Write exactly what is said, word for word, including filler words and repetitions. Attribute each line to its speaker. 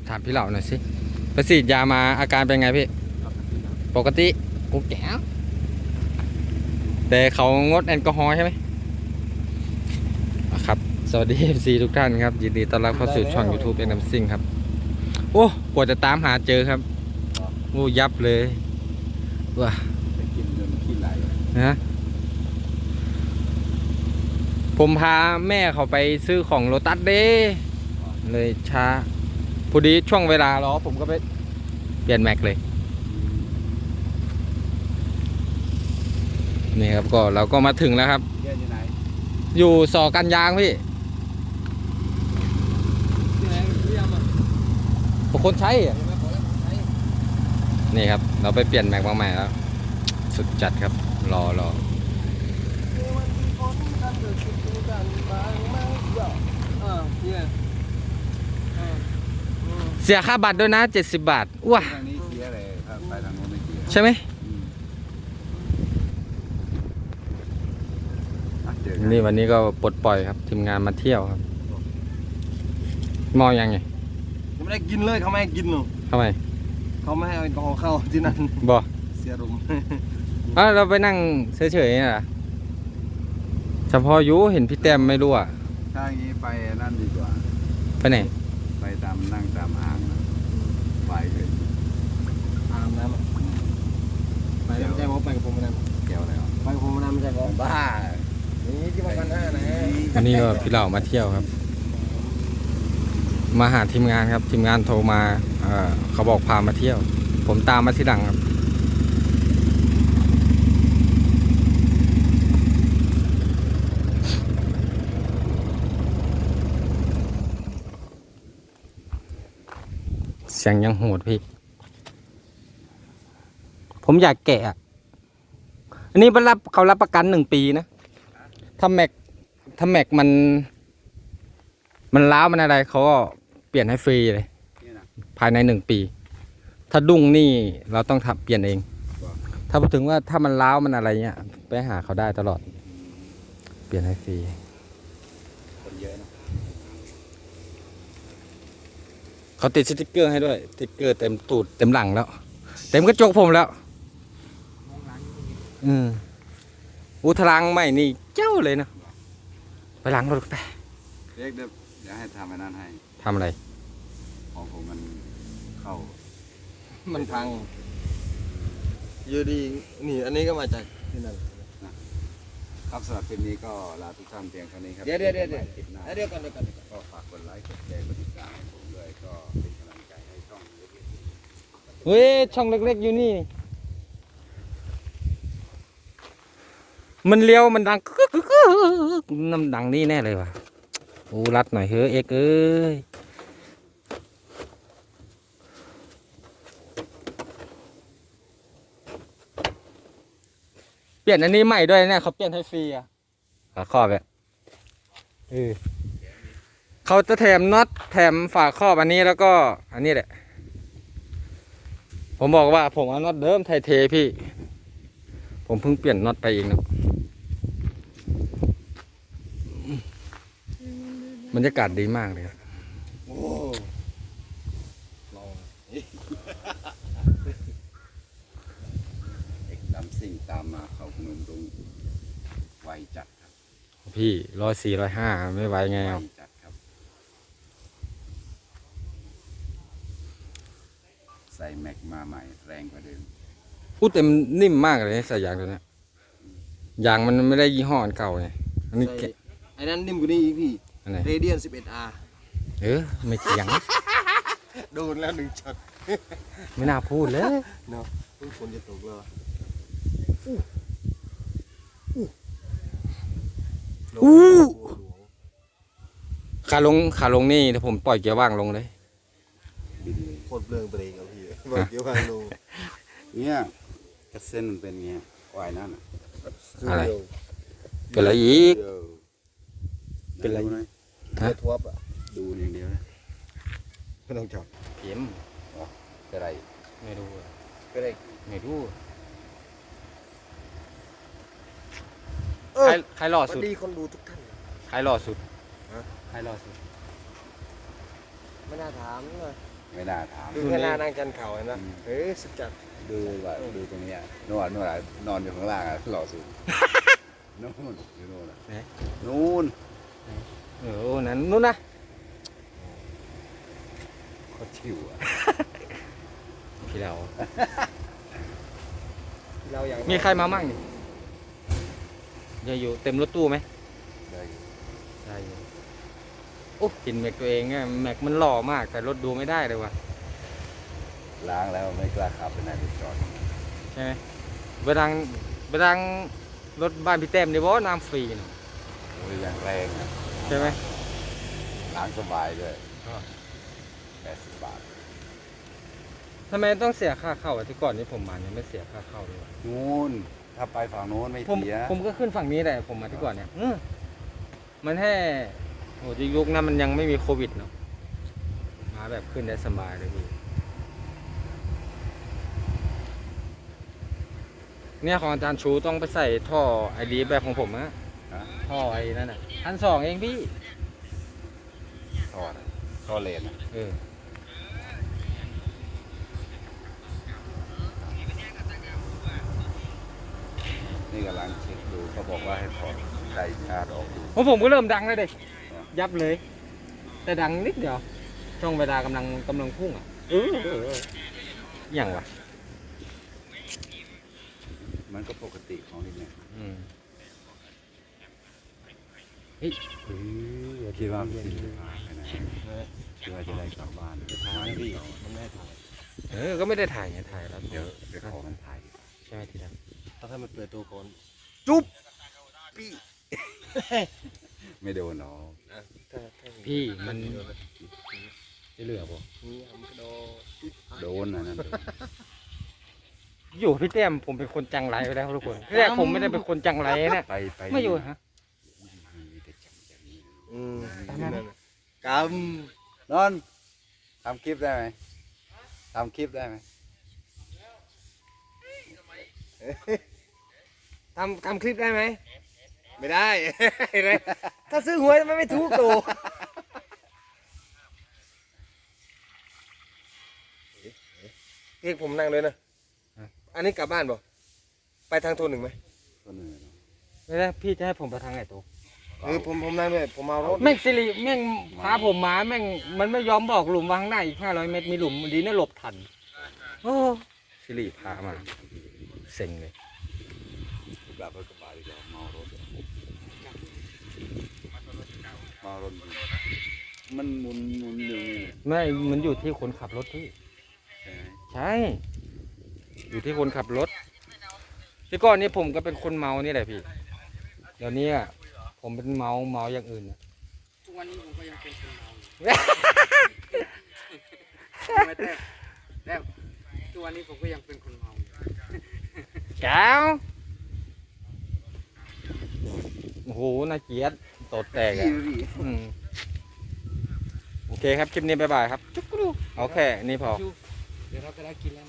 Speaker 1: ถามพี่เหล่าหน่อยสิไปฉีดยามาอาการเป็นไงพี่ปกติกูแก่แต่เขางดแอลกอฮอล์ใช่ไหมครับสวัสดี เอฟ ซี ทุกท่านครับยินดีต้อนรับเข้าสู่ช่อง YouTube เอ็น เอ็ม ซิ่งครับโอ้กว่าจะตามหาเจอครับโอ้ยับเลยว้านะผมพาแม่เขาไปซื้อของโลตัสเด้เลยช้าพอดีช่วงเวลารอผมก็ไปเปลี่ยนแม็กเลยนี่ครับก็เราก็มาถึงแล้วครับอยู่สอกันยางพี่คนใช้นี่ครับเราไปเปลี่ยนแม็กมาใหม่แล้วสุดจัดครับรอรอเสียค่าบัตรด้วยนะเจ็ดสิบบาทว้าใช่ไหมนี่วันนี้ก็ปลดปล่อยครับทีมงานมาเที่ยวครับมองยังไง
Speaker 2: ไม่ได้กินเลยเขาไม่ให้กินหรอ
Speaker 1: ทำไม
Speaker 2: เขาไม่ให้แอลกอฮอล์เข้าที่นั่น
Speaker 1: บ่
Speaker 2: เสียรุม
Speaker 1: อ่ะเราไปนั่งเฉยๆนี่แหละเฉพาะยูเห็นพี่แต้มไม่รู้อ่ะ
Speaker 2: ถ้าอย่างนี้ไปนั่นดีกว่า
Speaker 1: ไปไหน
Speaker 2: ไปตามนั่งตามอ่างนะไปเลยอ่างน้ำไปไม่ใช่ผมไปกับผมน้ำเกี่ยวอะไรอ่ะไปกับผมน้ำไม่ใช่ผมบ้านี่ที่มากันหน้านะ
Speaker 1: วันนี้ก็พี่เหล่ามาเที่ยวครับมาหาทีมงานครับทีมงานโทรมาเอ่อเขาบอกพามาเที่ยวผมตามมาที่หลังครับเสียงยังโหดพี่ผมอยากแกะอันนี้รับเขารับประกันหนึ่งปีนะถ้าแม็กถ้าแม็กมันมันล้าวมันอะไรเขาก็เปลี่ยนให้ฟรีเลยภายในหนึ่งปีถ้าดุ้งนี่เราต้องทำเปลี่ยนเองถ้าพูดถึงว่าถ้ามันล้าวมันอะไรเงี้ยไปหาเขาได้ตลอดเปลี่ยนให้ฟรีคนเยอะนะเขาติดสติ๊กเกอร์ให้ด้วยสติ๊กเกอร์เต็มตูดเต็มหลังแล้วเต็มกระจกผมแล้วอืมอุทลังใหม่นี่เจ้าเลยนะไปล้างรถไป
Speaker 2: เรียกเดี๋ยวเดี๋ยวให้ทำให้นั่นให้
Speaker 1: ทำอะไร
Speaker 2: ของผมมันเข้า
Speaker 3: มันพังอยู่ดีนี่อันนี้ก็มาจากที่นั่น
Speaker 2: ครับสำหรับคลิปนี้ก็ลาทุกท่านเพียงเท่านี้ครับ
Speaker 3: เดี๋ยวเดี๋ยวเดี๋ยวเดี๋ยวเดี๋ยวก่อนเดี๋ยวก่อน
Speaker 2: ก็ฝากกดไลค์กดแชร์กดติดตามผมด้วยก็เป็นกำลังใจให้ช่องเล็ก
Speaker 1: ๆเฮ้ยช่องเล็กๆอยู่นี่มันเลี้ยวมันดังน้ำดังนี่แน่เลยว่ะโอ้รัดหน่อยเฮ้ยเอ็กเอ้ยเปลี่ยนอันนี้ใหม่ด้วยเนี่ยเขาเปลี่ยนให้ฟรีอ่ะฝาครอบแบบเออเขาจะแถมน็อตแถมฝาครอบอันนี้แล้วก็อันนี้แหละผมบอกว่าผมเอาน็อตเดิมไทยเทพี่ผมเพิ่งเปลี่ยนน็อตไปเองนะบรรยากาศดีมากเลยครับ
Speaker 2: โอ้ลองเอกดำสิ่งตามมาเขาพนมรุ้งไวจัดครับ
Speaker 1: พี่ร้อยสี่ร้อยห้าไม่ไหวไงครับ
Speaker 2: จัดครับใส่แม็กมาใหม่แรงกว่าเดิม
Speaker 1: พูดเต็มนิ่มมากเลยใส่ยางตัวนี้ยางมันไม่ได้ยี่ห้อเก่าไงอันนี้
Speaker 3: ไอ้นั้นนิ่มกว่านี้อีกพี่เรเดียน สิบเอ็ด อาร์
Speaker 1: เออไม่เถียง
Speaker 3: โดนแล้วหนึ่งช็อต
Speaker 1: ไม่น่าพูดเลย
Speaker 3: เนาะฝนจะตกแล้ว
Speaker 1: อู้ขาลงขาลงนี่ถ้าผมปล่อยเกียร์ว่างลงเลย
Speaker 3: โคตรเบลงเบรกเอาพี่ปล่อยเกียร์ว่างลง
Speaker 2: เนี่ยกระเซ็นมันเป็นไงวายนั่น
Speaker 1: อะไรเป็นอะไรอีก
Speaker 2: เป็นอะไร
Speaker 3: ฮะทัวร์อ่ะ
Speaker 2: ดูอย่างเดียวนะ
Speaker 3: ไม่ต้องจับ
Speaker 1: เข็ม
Speaker 2: เป็นอะไร
Speaker 1: ไม่รู้
Speaker 3: เป็นอะไร
Speaker 1: ไม่รู้ใครใครหล่อสุด
Speaker 3: ดีคนดูทุกท่าน
Speaker 1: ใครหล่อสุดใครหล่อสุด
Speaker 3: ไม่น่าถามเลย
Speaker 2: ไม่น่าถาม
Speaker 3: ดูแค่หน้านั่งจันเข่าเห็นไหมเฮ้ยสุดจัด
Speaker 2: ดูว่าดูตรงเนี้ยนวดนวดอะนอนอยู่ข้างล่างอะหล่อสุดนู่นอยู่นู่นอะ
Speaker 1: ไหน
Speaker 2: นู่น
Speaker 1: เออนั้นนู้นนะ
Speaker 2: เขาชิวอะ
Speaker 1: พี่เรา
Speaker 3: เราอย่าง
Speaker 1: มีใครมามั่งนี่ยังอยู่เต็มรถตู้ไหม
Speaker 2: ได้อยู่
Speaker 1: ได้อยู่โอ้กินแม็กตัวเองอะแม็กมันหล่อมากแต่รถดูไม่ได้เลยว่ะ
Speaker 2: ล้างแล้วไม่กล้าขับไปไหนไปจอด
Speaker 1: ใช่ไหมไปทางไปทางรถบ้านพี่แต้มเดี๋ยวบอกน้ำฟรีนะ
Speaker 2: โอ้ยแรงแรงอะ
Speaker 1: ใช่ไหม
Speaker 2: ล้างสบายด้วยแปดสิบบาท
Speaker 1: ทำไมต้องเสียค่าเข้าอะที่ก่อนนี้ผมมาเนี่ยไม่เสียค่าเข้าเลยว่ะ
Speaker 2: นู่นถ้าไปฝั่งโน้นไม่
Speaker 1: ผม
Speaker 2: เสีย
Speaker 1: ผมก็ขึ้นฝั่งนี้แหละผมมาที่ก่อนเนี่ยอืมมันแค่โอ้ยุคนั้นมันยังไม่มีโควิดเนาะมาแบบขึ้นได้สบายเลยพี่เนี่ยของอาจารย์ชูต้องไปใส่ท่อไอดีแบบของผมนะ
Speaker 2: ฮะ
Speaker 1: ท่อไอ้นั่นอ่ะพันสองเองพี่
Speaker 2: ทอดอะทอดเลนอะ
Speaker 1: เออ
Speaker 2: นี่กำลังเช็คดูเขาบอกว่าให้ถอดไดชาร์จออกดู
Speaker 1: ของผมก็เริ่มดังแล้วเด็กยับเลย แต่ดังนิดเดียวช่วงเวลากำลังกำลังพุ่งอ่ะเออเออเอออย่างวะ
Speaker 2: มันก็ปกติของนี่เนี่ย
Speaker 1: อืมเฮ้ย
Speaker 2: คิดว่ามันจะพาไปไหนคิดว่าจะได้กลับบ้าน
Speaker 3: ทางนี่มันไม่ถ่าย
Speaker 1: เออก็ไม่ได้ถ่ายไงถ่ายแล้ว
Speaker 2: เดี๋ยวเดี๋ยวขอมันถ่าย
Speaker 1: ใช่ไหมทีนั้น
Speaker 3: ถ้าถ้ามันเปิดตัวก่อน
Speaker 2: ไม่โดนหรอก
Speaker 3: อ่ะถ้าถ้า
Speaker 1: พี่มันจะเหลือป่ะ
Speaker 3: นี่ทำกระโดด
Speaker 2: โดนนะนั่นโดน
Speaker 1: อยู่พี่แต้มผมเป็นคนจังไรไปแล้วทุกคนแรกผมไม่ได้เป็นคนจังไรนะ
Speaker 2: ไปไป
Speaker 1: ไม่อยู่ฮะ
Speaker 2: มีแต่จังอย่างนี้
Speaker 3: อืม
Speaker 1: ตามนั้น
Speaker 3: นั่นน่ะก
Speaker 2: นอนทำคลิปได้ไหมทำคลิปได้ไหม
Speaker 3: ำทำทำคลิปได้ไหมไม่ได้ เห็นไหมถ้าซื้อหวยทำไมไม่ถูกตัวเรียกผมนั่งเลยนะ อันนี้กลับบ้านบ่ไปทางโทนหนึ่งไหม
Speaker 2: คนอื่นเนอะ
Speaker 1: ไม่ได้พี่จะให้ผมไปทางไหนตัว
Speaker 3: เออผมผมนั่งด้วยผมเอารถ
Speaker 1: แม่งสิริแม่งพาผมมาแม่งมันไม่ยอมบอกหลุมวางหน้าอีกห้าร้อยเมตรมีหลุมดีนะหลบทันโอ้สิริพามาเซ็งเลย
Speaker 2: กลับไปกระบะดีกว่าเมารถเมารถอยู่มันหมุนหมุนอยู่นี่
Speaker 1: ไม่มันอยู่ที่คนขับรถพี่
Speaker 2: ใช่ไหม
Speaker 1: ใช่ อยู่ที่คนขับรถที่ก่อนนี้ผมก็เป็นคนเมานี่แหละพี่ เดี๋ยวนี้อะผมเป็นเมาเมาอย่างอื่นอะ
Speaker 4: ทุกวันนี้ผมก็ยังเป็นคนเมาอยู่ไม่แต่แล้วทุกวันนี้ผมก็ยังเป็นคนเมาอยู่
Speaker 1: แก้วโอ้โหน่าเกลียดตดแตกอะอืมโอเคครับ คลิปนี้บ๊ายบายครับ จุ๊กกรูเอาแค่นี้พอ
Speaker 4: เดี๋ยวเราไปได้กินแล้ว